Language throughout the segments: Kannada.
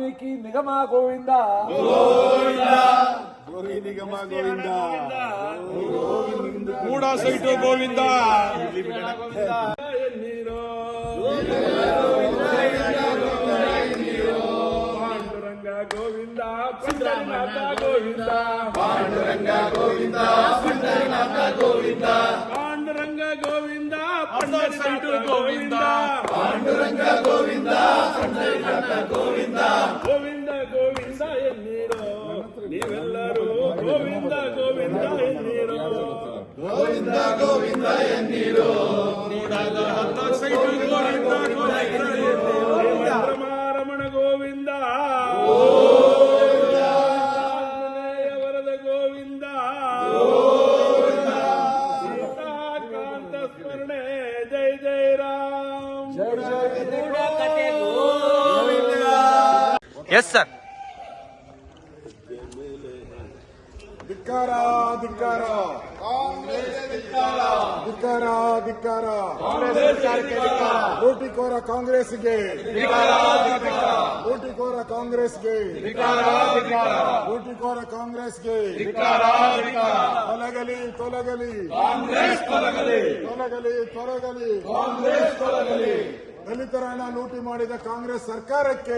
ವಾಲ್ಮೀಕಿ ನಿಗಮ ಗೋವಿಂದ, ಗೋರಿ ನಿಗಮ ಗೋವಿಂದ, ಕೂಡ ಸೈಟು ಗೋವಿಂದ, ಎನ್ನೀರೋ ಪಾಂಡುರಂಗ ಗೋವಿಂದ, ಪಂಡರನಾಥ ಗೋವಿಂದ, ಪಾಂಡುರಂಗ ಗೋವಿಂದ, ಪಂಡರನಾಥ ಗೋವಿಂದ, ಪಾಂಡುರಂಗ ಗೋವಿಂದ, ಪಂಡರನಾಥ ಗೋವಿಂದ, ಪಾಂಡುರಂಗ ಗೋವಿಂದ, ಪಂಡರನಾಥ ಗೋವಿಂದ, ಗೋವಿಂದ ಗೋವಿಂದ ಎನ್ನೀರೋ ನೀವೆಲ್ಲರೂ ಗೋವಿಂದ ಗೋವಿಂದ ಎನ್ನೀರೋ, ಗೋವಿಂದ ಗೋವಿಂದ ಎನ್ನೀರೋ, ಕೂಡದ ಹತ್ತ ಸೈಟು ಗೋವಿಂದ ರಮಣ ಗೋವಿಂದ, ವರದ ಗೋವಿಂದ, ಸೀತಾಕಾಂತ ಸ್ಮರಣೆ ಜೈ ಜೈ ರಾಮ್, ಎಸ್ ಸರ್. ಧಿಕ್ಕಾರ ಧಿಕ್ಕಾರ, ಧಿಕ್ಕಾರ ಧಿಕ್ಕಾರ, ಲೂಟಿಕೋರ ಕಾಂಗ್ರೆಸ್ಗೆ, ಲೂಟಿಕೋರ ಕಾಂಗ್ರೆಸ್ಗೆ, ಲೂಟಿಕೋರ ಕಾಂಗ್ರೆಸ್ಗೆ ತೊಲಗಲಿ ತೊಲಗಲಿ, ತೊಲಗಲಿ ತೊಲಗಲಿ, ದಲಿತರ ಹಣ ಲೂಟಿ ಮಾಡಿದ ಕಾಂಗ್ರೆಸ್ ಸರ್ಕಾರಕ್ಕೆ,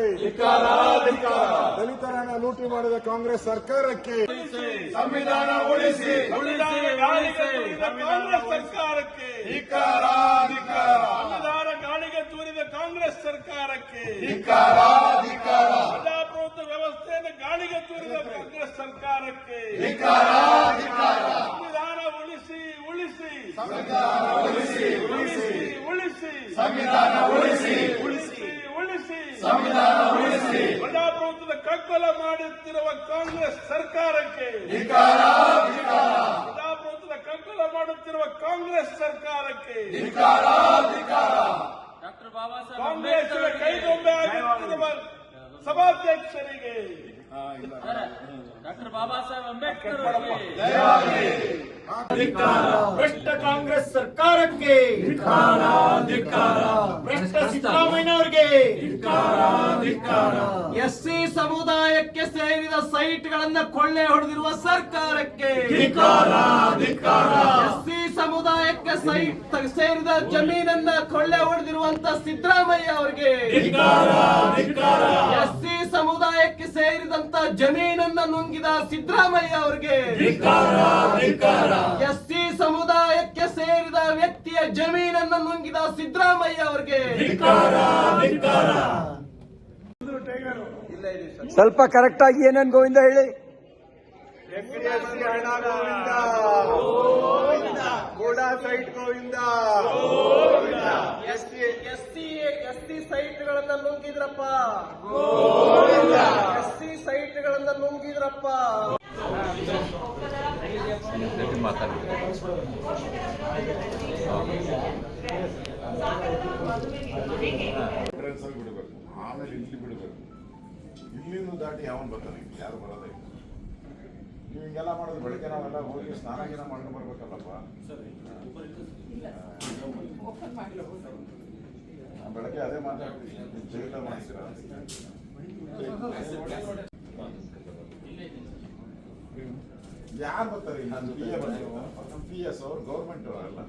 ದಲಿತರ ಹಣ ಲೂಟಿ ಮಾಡಿದ ಕಾಂಗ್ರೆಸ್ ಸರ್ಕಾರಕ್ಕೆ, ಸಂವಿಧಾನ ಉಳಿಸಿ, ಕಾಂಗ್ರೆಸ್ ಸರ್ಕಾರಕ್ಕೆ, ಸಂವಿಧಾನ ಗಾಳಿಗೆ ತೂರಿದ ಕಾಂಗ್ರೆಸ್ ಸರ್ಕಾರಕ್ಕೆ, ಪ್ರಜಾಪ್ರಭುತ್ವ ವ್ಯವಸ್ಥೆಯನ್ನು ಗಾಳಿಗೆ ತೂರಿದ ಕಾಂಗ್ರೆಸ್ ಸರ್ಕಾರಕ್ಕೆ, ಸಂವಿಧಾನ ಉಳಿಸಿ ಉಳಿಸಿ, ಉಳಿಸಿ ಸಂವಿಧಾನ ಉಳಿಸಿ, ಉಳಿಸಿ ಉಳಿಸಿ, ಸಂವಿಧಾನ ಉಳಿಸಿ, ಪ್ರಜಾಪ್ರಭುತ್ವದ ಕಗ್ಗೊಲ ಮಾಡುತ್ತಿರುವ ಕಾಂಗ್ರೆಸ್ ಸರ್ಕಾರಕ್ಕೆ, ಪ್ರಜಾಪ್ರಭುತ್ವದ ಕಗ್ಗೊಲ ಮಾಡುತ್ತಿರುವ ಕಾಂಗ್ರೆಸ್ ಸರ್ಕಾರಕ್ಕೆ, ಕಾಂಗ್ರೆಸ್ನ ಕೈಗೊಂಬೆ ಆಗುತ್ತಿರುವ ಸಭಾಧ್ಯಕ್ಷರಿಗೆ, ಡಾಕ್ಟರ್ ಬಾಬಾ ಸಾಹೇಬ್ ಅಂಬೇಡ್ಕರ್ ಭ್ರಷ್ಟ ಕಾಂಗ್ರೆಸ್ ಸರ್ಕಾರಕ್ಕೆ, ಭ್ರಷ್ಟ ಸಿದ್ದರಾಮಯ್ಯನವರಿಗೆ, ಎಸ್ಸಿ ಸಮುದಾಯಕ್ಕೆ ಸೇರಿದ ಸೈಟ್ಗಳನ್ನ ಕೊಳ್ಳೆ ಹೊಡೆದಿರುವ ಸರ್ಕಾರಕ್ಕೆ, ಎಸ್ಸಿ ಸಮುದಾಯಕ್ಕೆ ಸೇರಿದ ಜಮೀನನ್ನ ಕೊಳ್ಳೆ ಹೊಡೆದಿರುವಂತ ಸಿದ್ದರಾಮಯ್ಯ ಅವರಿಗೆ, ಎಸ್ಸಿ ಸಮುದಾಯಕ್ಕೆ ಸೇರಿದಂತ ಜಮೀನನ್ನ ನುಂಗಿದ ಸಿದ್ದರಾಮಯ್ಯ ಅವರಿಗೆ, ಎಸ್ಸಿ ಸಮುದಾಯಕ್ಕೆ ಸೇರಿದ ವ್ಯಕ್ತಿಯ ಜಮೀನನ್ನು ನುಂಗಿದ ಸಿದ್ದರಾಮಯ್ಯ ಅವರಿಗೆ ಸ್ವಲ್ಪ ಕರೆಕ್ಟ್ ಆಗಿ ಏನೇನು ಗೋವಿಂದ ಹೇಳಿ. ಹಣ ಗೋವಿಂದ, ಕೂಡ ಸೈಟ್ ಗೋವಿಂದ, ಎಸ್ಸಿ ಸೈಟ್ಗಳನ್ನ ನುಂಗಿದ್ರಪ್ಪ, ಎಸ್ಸಿ ಸೈಟ್ಗಳನ್ನ ನುಂಗಿದ್ರಪ್ಪ. ಬಿಡಬೇಕು, ಆಮೇಲೆ ಇಲ್ಲಿ ಬಿಡಬೇಕು. ಇಲ್ಲಿಂದ ದಾಟಿ ಯಾವನ್ ಬರ್ತಾನೆ, ಯಾರು ಬರೋದೇ ಇಲ್ಲ. ನೀವು ಹಿಂಗೆಲ್ಲ ಮಾಡೋದು ಬೆಳಗ್ಗೆ ನಾವೆಲ್ಲ ಹೋಗಿ ಸ್ನಾನ ಗೀನ ಮಾಡ್ಕೊಂಡು ಬರ್ಬೇಕಲ್ಲಪ್ಪ. ಬೆಳಗ್ಗೆ ಅದೇ ಮಾತಾಡ್ತೀವಿ, ಜೈಲ ಮಾಡ್ತೀರಾ? ಯಾರು ಬರ್ತಾರೆ? ಪಿ ಎಸ್ ಅವ್ರು ಗೌರ್ಮೆಂಟ್ ಅವರೆಲ್ಲ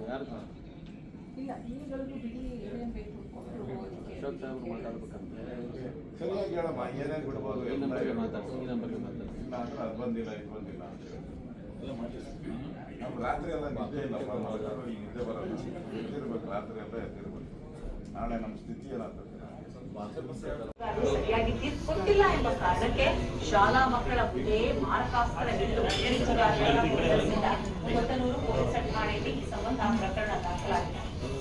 ಸರಿಯಾಗಿ ಹೇಳಮ್ಮ, ಏನೇನು ಬಿಡ್ಬೋದು, ಇಲ್ಲ ಅಂದ್ರೆ ಅದು ಬಂದಿಲ್ಲ ಇದು ಬಂದಿಲ್ಲ ಅಂತ ಹೇಳಿ. ನಮ್ಗೆ ರಾತ್ರಿ ಎಲ್ಲ ನಿದ್ದೆ ಇಲ್ಲಪ್ಪ, ಮಲಗೋರು ಈಗ ನಿದ್ದೆ ಬರಲ್ಲ, ಎದ್ದಿರ್ಬೇಕು, ರಾತ್ರಿ ಎಲ್ಲ ಎದ್ದಿರ್ಬೇಕು. ನಾಳೆ ನಮ್ಮ ಸ್ಥಿತಿ ಏನಾಗ್ತದೆ? ಸರಿಯಾಗಿ ತೀರ್ಪು ಕೊಟ್ಟಿಲ್ಲ ಎಂಬ ಕಾರಣಕ್ಕೆ ಶಾಲಾ ಮಕ್ಕಳ ಮುಂದೆ ಮಾರಕಾಸ್ತ್ರ ಹಿಡಿದು ಬೆದರಿಸಿದ ಕೊತ್ತನೂರು ಪೊಲೀಸ್ ಠಾಣೆಯಲ್ಲಿ ಈ ಸಂಬಂಧ ಪ್ರಕರಣ ದಾಖಲಾಗಿದೆ.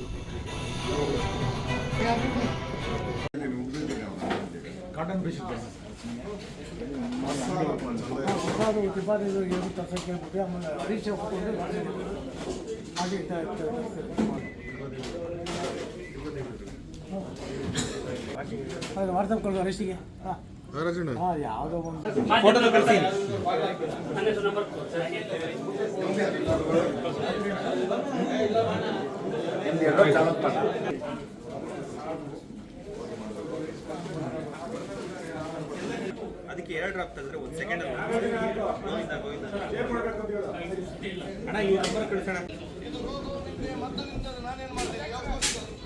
ವಾಟ್ಸಪ್ ಕೊಡುವ ರೆಸ್ಟಿಗೆ ಯಾವುದೋ ಒಂದು ಅದಕ್ಕೆ 2 ಡ್ರಾಪ್ ತೆಗೆದ್ರೆ 1 ಸೆಕೆಂಡ್ ಗೋವಿಂದ ಅಣ್ಣ ಈ ನಂಬರ್ ಕಳಿಸೋಣ. ಇದು ರೋಗ ನಾನೇನು ಮಾಡ್ತೀನಿ